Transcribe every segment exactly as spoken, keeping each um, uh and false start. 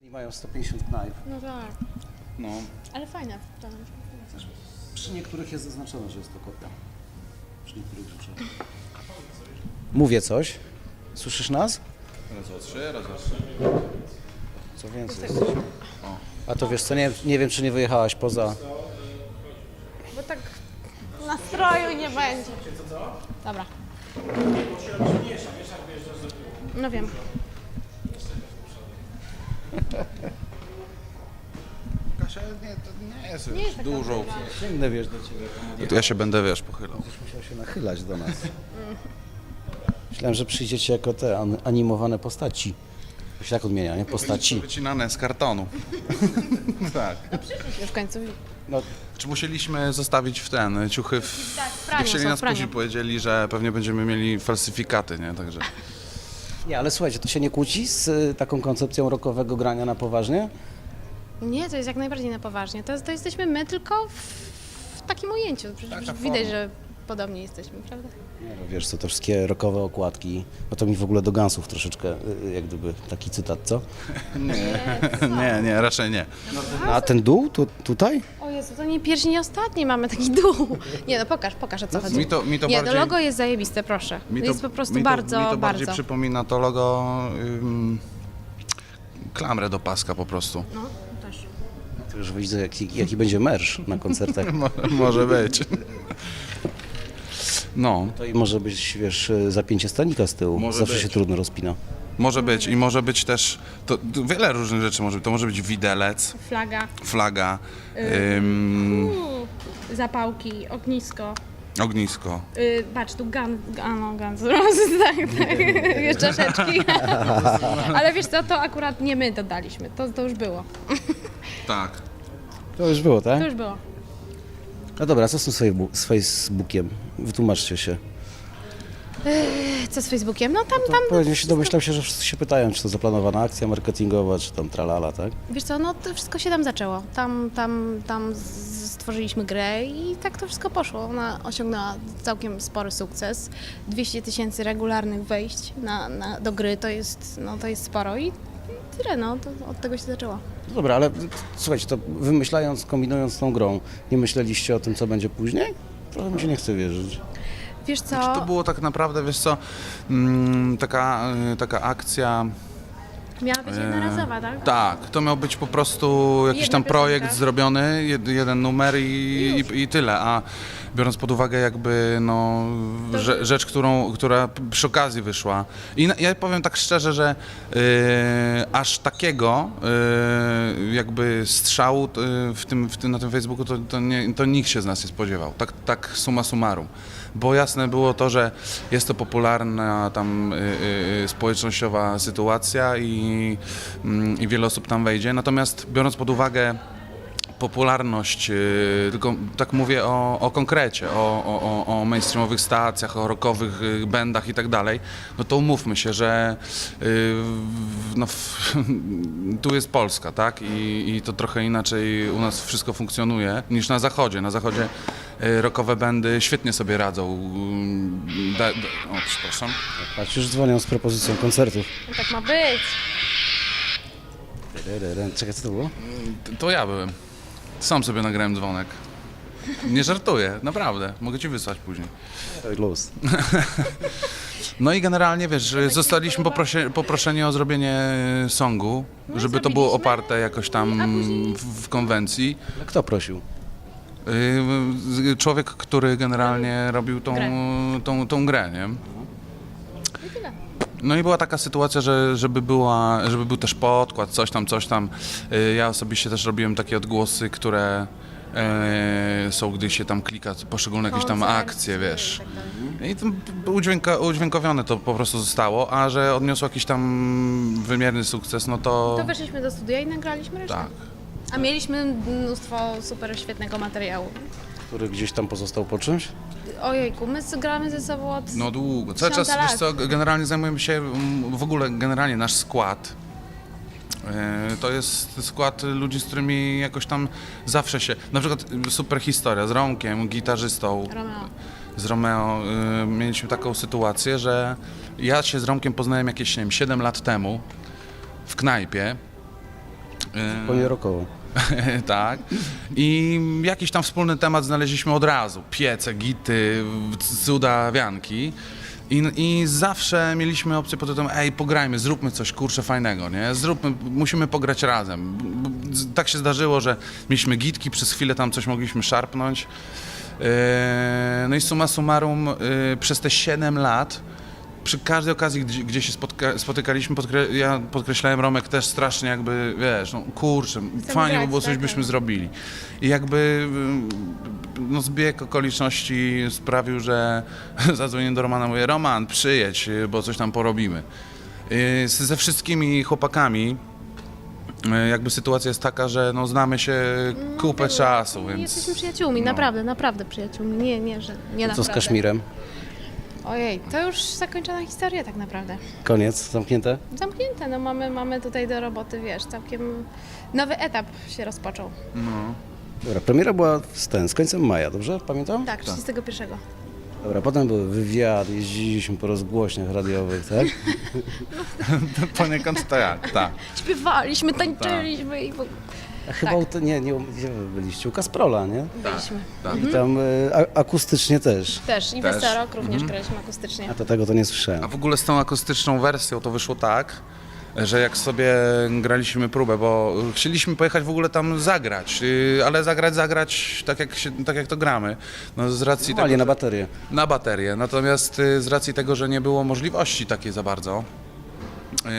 I mają sto pięćdziesiąt knajp. No tak, No. ale fajne. To... Przy niektórych jest zaznaczone, że jest to kopia. Przy niektórych rzeczach. Mówię coś. Słyszysz nas? Raz, dwa, trzy, raz, dwa, trzy. Co więcej jest. A to wiesz co, nie, nie wiem czy nie wyjechałaś poza... Bo tak nastroju nie będzie. Dobra. No wiem. Kasia, nie, to nie jest, Nie jest taka dużo. droga. Sięgnę, wiesz, do ciebie. To ja się będę, wiesz, pochylał. Będziesz musiał się nachylać do nas. Myślałem, że przyjdziecie jako te an- animowane postaci. To się tak odmienia, nie? Postaci. Wycinane z kartonu. Tak. Już w końcu. No, Czy musieliśmy zostawić w ten, ciuchy w... Tak, w praniu, Chcieli są nas w praniu. później powiedzieli, że pewnie będziemy mieli falsyfikaty, nie? Także... nie, ale słuchajcie, to się nie kłóci z y, taką koncepcją rockowego grania na poważnie? Nie, to jest jak najbardziej na poważnie. To, to jesteśmy my tylko w, w takim ujęciu. Przecież Taka widać, forma. że podobnie jesteśmy, prawda? Nie, no wiesz co, te wszystkie rockowe okładki, no to mi w ogóle do Gunsów troszeczkę, y, jak gdyby taki cytat, co? Nie, nie, raczej nie. A ten dół tu, tutaj? O Jezu, to nie pierwszy, nie ostatni mamy taki dół. Nie no, pokaż, pokaż o co chodzi. Mi to, mi to nie, bardziej... to logo jest zajebiste, proszę. mi to jest po prostu mi to, bardzo, mi to bardziej bardzo. przypomina to logo... Ym, klamrę do paska po prostu. No, też. To już widzę, jaki, jaki będzie merch na koncertach. Mo- może być. No, To i może być, wiesz, zapięcie stanika z tyłu. Może Zawsze być. się trudno rozpina. może być i może być też... To, to wiele różnych rzeczy może być. To może być widelec, Flaga, flaga, ym, Uuu, zapałki, ognisko. ognisko. Yy, patrz, tu gun, a no, Guns N' Roses, tak, tak, wiesz, czaszeczki. Ale wiesz co, to akurat nie my dodaliśmy, to, to już było, Tak. To już było, tak? to już było. No dobra, co z tym Facebooku- z Facebookiem? Wytłumaczcie się. Co z Facebookiem? No tam, To tam, pewnie się domyślam się, że wszyscy się pytają, czy to zaplanowana akcja marketingowa, czy tam tralala, tak? wiesz co, no to wszystko się tam zaczęło. Tam, tam, tam z- stworzyliśmy grę i tak to wszystko poszło. Ona osiągnęła całkiem spory sukces. dwieście tysięcy regularnych wejść na, na, do gry to jest, no, to jest sporo i tyle, no, to od tego się zaczęło. No dobra, ale słuchajcie, to wymyślając, kombinując tą grą, nie myśleliście o tym, co będzie później? Trochę mi się nie chce wierzyć. Wiesz co, Znaczy, to było tak naprawdę, wiesz co, mm, taka, y, taka akcja... miała być jednorazowa, tak? Tak, to miał być po prostu jakiś Jedna tam projekt piosenka. zrobiony, jed, jeden numer i, I i, i tyle, a biorąc pod uwagę jakby no, To- rze, rzecz, którą, która p- przy okazji wyszła. I na, ja powiem tak szczerze, że y, aż takiego y, jakby strzału y, w tym, w tym, na tym Facebooku to, to, nie, to nikt się z nas nie spodziewał, tak, tak summa summarum. Bo jasne było to, że jest to popularna tam y, y, społecznościowa sytuacja i, mm, i wiele osób tam wejdzie. Natomiast biorąc pod uwagę popularność, y, tylko tak mówię o, o konkrecie, o, o, o- o mainstreamowych stacjach, o rockowych y, bandach i tak dalej, no to umówmy się, że y, w- no, w, tu jest Polska, tak? I, I to trochę inaczej u nas wszystko funkcjonuje niż na zachodzie. Na zachodzie y, rockowe bandy świetnie sobie radzą. Y, Da, da, o, przepraszam. Patrz, już dzwonią z propozycją koncertów. No tak ma być. Czekaj, co to było? To- To ja byłem. Sam sobie nagrałem dzwonek. Nie żartuję, naprawdę. Mogę ci wysłać później. Luz. No i generalnie, wiesz, zostaliśmy poprosie, poproszeni o zrobienie songu, No i żeby to było zrobiliśmy. oparte jakoś tam A później- w, w konwencji. A kto prosił? Yy, Człowiek, który generalnie robił tą, Grę. tą, tą grę, nie? I tyle. No i była taka sytuacja, że żeby, była, żeby był też podkład, coś tam, coś tam. Yy, Ja osobiście też robiłem takie odgłosy, które yy, są, gdy się tam klika poszczególne jakieś tam Koncert, akcje, wiesz. tak dalej. I to udźwięka, udźwiękowione to po prostu zostało, a że odniosło jakiś tam wymierny sukces, no to... To weszliśmy do studia i nagraliśmy resztę. Tak. A mieliśmy mnóstwo super świetnego materiału. Który gdzieś tam pozostał po czymś? Ojejku, my gramy ze sobą od... No długo. Cały czas, Tysiąca wiesz co, generalnie zajmujemy się, mm, w ogóle generalnie nasz skład, e, to jest skład ludzi, z którymi jakoś tam zawsze się, na przykład super historia z Romkiem, gitarzystą, Romeo. z Romeo, y, mieliśmy taką sytuację, że ja się z Romkiem poznałem jakieś, nie wiem, siedem lat temu w knajpie E, Zupełnie rokowo. tak. I jakiś tam wspólny temat znaleźliśmy od razu. Piece, gity, cuda, wianki. I, I zawsze mieliśmy opcję pod tytułem, ej, pograjmy, zróbmy coś, kurczę, fajnego, nie? Zróbmy, musimy pograć razem. B- b- z- Tak się zdarzyło, że mieliśmy gitki, przez chwilę tam coś mogliśmy szarpnąć. Yy, No i summa summarum, yy, przez te siedem lat przy każdej okazji, gdzie, gdzie się spotka, spotykaliśmy, podkre, ja podkreślałem, Romek też strasznie jakby, wiesz, no kurczę, fajnie by grać, było, coś tak, byśmy tak. zrobili. I jakby no, zbieg okoliczności sprawił, że zadzwoniłem do Romana, mówię, Roman, przyjedź, bo coś tam porobimy. Yy, z- Ze wszystkimi chłopakami yy, jakby sytuacja jest taka, że no, znamy się kupę było. czasu, więc... Jesteśmy przyjaciółmi, no. naprawdę, naprawdę przyjaciółmi. Nie, nie, że nie Co naprawdę. z Kaszmirem? Ojej, to już zakończona historia tak naprawdę. Koniec, zamknięte? Zamknięte, no mamy, mamy tutaj do roboty, wiesz, całkiem nowy etap się rozpoczął. No. Dobra, premiera była z, ten, z końcem maja, dobrze? Pamiętam? Tak, trzydziestego pierwszego. Dobra, potem był wywiad, jeździliśmy po rozgłośniach radiowych, tak? Poniekąd tak, tak. Śpiewaliśmy, tańczyliśmy i w ogóle A chyba Tak. u te, nie, nie, gdzie wy byliście? U Kasprola, nie? byliśmy. tak. I tam y, a, akustycznie też. Też i Też. Westerok również graliśmy akustycznie. A to tego to nie słyszałem. A w ogóle z tą akustyczną wersją to wyszło tak, że jak sobie graliśmy próbę, bo chcieliśmy pojechać w ogóle tam zagrać, yy, ale zagrać, zagrać tak jak, się, tak jak to gramy. No z racji Ale tego, na że- baterię. na baterię. Natomiast y, z racji tego, że nie było możliwości takiej za bardzo, yy,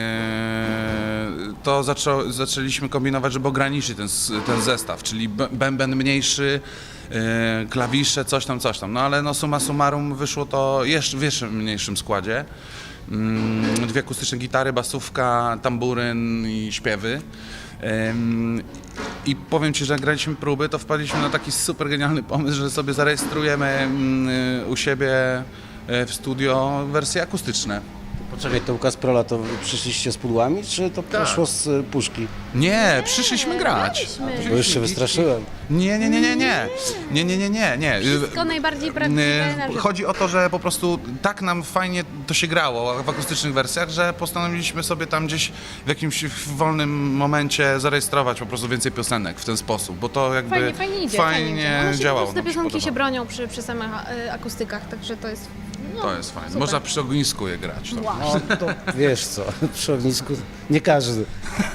to zaczą, zaczęliśmy kombinować, żeby ograniczyć ten, s- ten zestaw, czyli b- bęben mniejszy, yy, klawisze, coś tam, coś tam. No ale no summa summarum wyszło to jeszcze w jeszcze mniejszym składzie. Mm, Dwie akustyczne gitary, basówka, tamburyn i śpiewy. Ym, I powiem Ci, że jak graliśmy próby, to wpadliśmy na taki super genialny pomysł, że sobie zarejestrujemy mm, y, u siebie y, w studio wersje akustyczne. Poczekaj, to u Kasprola to wy przyszliście z pudłami, czy to poszło z y, puszki? Nie, przyszliśmy grać. graliśmy. Bo już się wystraszyłem. Nie, nie, nie, nie, nie. Nie, nie, nie, nie, nie. Wszystko najbardziej prawdziwe na Y, żywo. Chodzi o to, że po prostu tak nam fajnie to się grało w akustycznych wersjach, że postanowiliśmy sobie tam gdzieś w jakimś wolnym momencie zarejestrować po prostu więcej piosenek w ten sposób, bo to jakby Fajnie, fajnie idzie. fajnie idzie. One się działało. po prostu te nam się piosenki się podobało. bronią przy, przy samych y, akustykach, także to jest no, To jest fajne. super. Można przy ognisku je grać. To. Wow. No to wiesz co, przy ognisku nie każdy.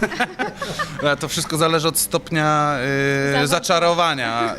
Ale to wszystko zależy od stopnia y, Zawodu. zaczarowania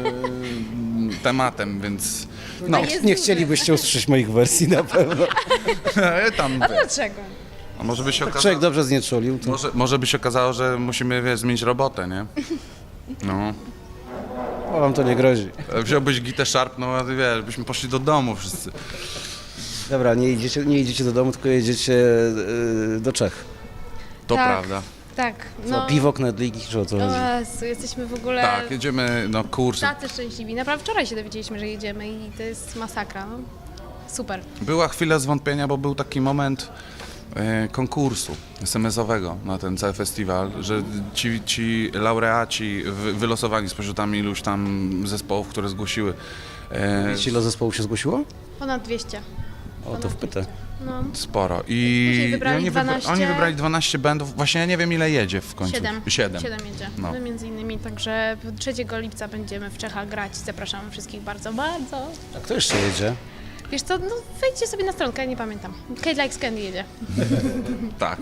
y, tematem, więc no. A jest Nie duży. chcielibyście usłyszeć moich wersji na pewno. tam, A dlaczego? a może by się Człowiek okazało, dobrze znieczulił, to może, może by się okazało, że musimy wiesz, zmienić robotę, nie? No. o, wam to nie grozi. Wziąłbyś gitę szarpną, a ty wiesz, byśmy poszli do domu wszyscy. Dobra, nie idziecie, nie idziecie do domu, tylko jedziecie y, do Czech. To Tak. prawda. Tak, Co, no. piwo, knedliki, czy o co O chodzi? Jezu, jesteśmy w ogóle Tak, jedziemy, no kurczę. tacy szczęśliwi. Naprawdę wczoraj się dowiedzieliśmy, że jedziemy i to jest masakra. No. Super. Była chwila zwątpienia, bo był taki moment e, konkursu es em esowego na ten cały festiwal, że ci, ci laureaci wy, wylosowani spośród tam iluś tam zespołów, które zgłosiły. E, Wiecie, ile zespołów się zgłosiło? Ponad dwieście. O, to wpytę. No. Sporo. I Później wybrali oni, wybra- dwanaście. oni wybrali dwanaście bandów. Właśnie ja nie wiem ile jedzie w końcu. Siedem. Siedem. Siedem jedzie. No. My między innymi, także trzeciego lipca będziemy w Czechach grać. Zapraszamy wszystkich bardzo, bardzo. A kto jeszcze jedzie? Wiesz co, no wejdźcie sobie na stronkę, ja nie pamiętam. Kate Likes Candy jedzie. Tak.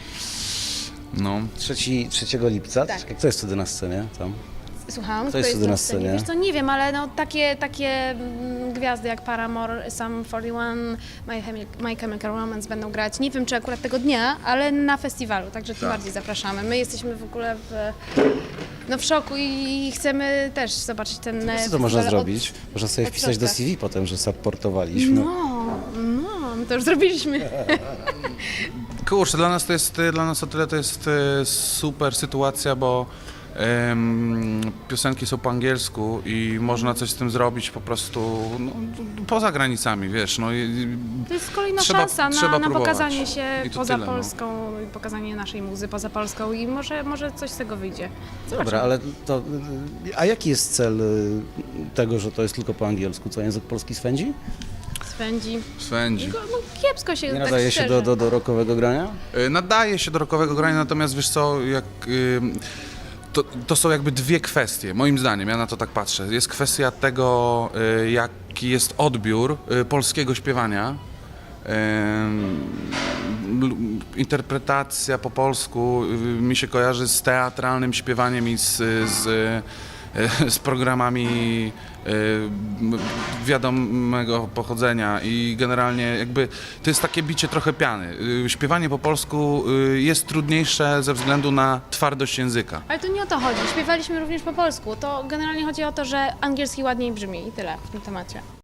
No. trzeciego lipca? Tak. Kto jest wtedy na scenie tam? Słucham, Kto jest wtedy na scenie? Wiesz co, nie wiem, ale no takie, takie mm, gwiazdy jak Paramore, Sum czterdzieści jeden, My, Chemi- My Chemical Romance będą grać. Nie wiem, czy akurat tego dnia, ale na festiwalu, także tym Tak. bardziej zapraszamy. My jesteśmy w ogóle w, no, w szoku i chcemy też zobaczyć ten Co festiwal to można od- zrobić? Można sobie od wpisać do środka. C V potem, że supportowaliśmy. No, no, my to już zrobiliśmy. Kurczę, dla nas to jest, dla nas o tyle to jest e, super sytuacja, bo em, piosenki są po angielsku i można coś z tym zrobić po prostu no, poza granicami, wiesz, no i To jest kolejna Trzeba- szansa trzeba na, na próbować. pokazanie się I to poza tyle, no. Polską, i pokazanie naszej muzy poza Polską i może, może coś z tego wyjdzie. Dobra, ale to... y, A jaki jest cel y, tego, że to jest tylko po angielsku? Co, język polski swędzi? Swędzi. Swędzi. No, no kiepsko się, Nie tak nadaje się szczerze. do, do, do rockowego grania? Y, Nadaje się do rockowego grania, natomiast wiesz co, jak, y, to, to są jakby dwie kwestie, moim zdaniem, ja na to tak patrzę. Jest kwestia tego, y, jaki jest odbiór y, polskiego śpiewania. Y, l- interpretacja po polsku y, mi się kojarzy z teatralnym śpiewaniem i z, z, y, z programami y, m- wiadomego pochodzenia i generalnie jakby to jest takie bicie trochę piany. Y, Śpiewanie po polsku y, jest trudniejsze ze względu na twardość języka. Ale to nie o to chodzi. Śpiewaliśmy również po polsku. To generalnie chodzi o to, że angielski ładniej brzmi i tyle w tym temacie.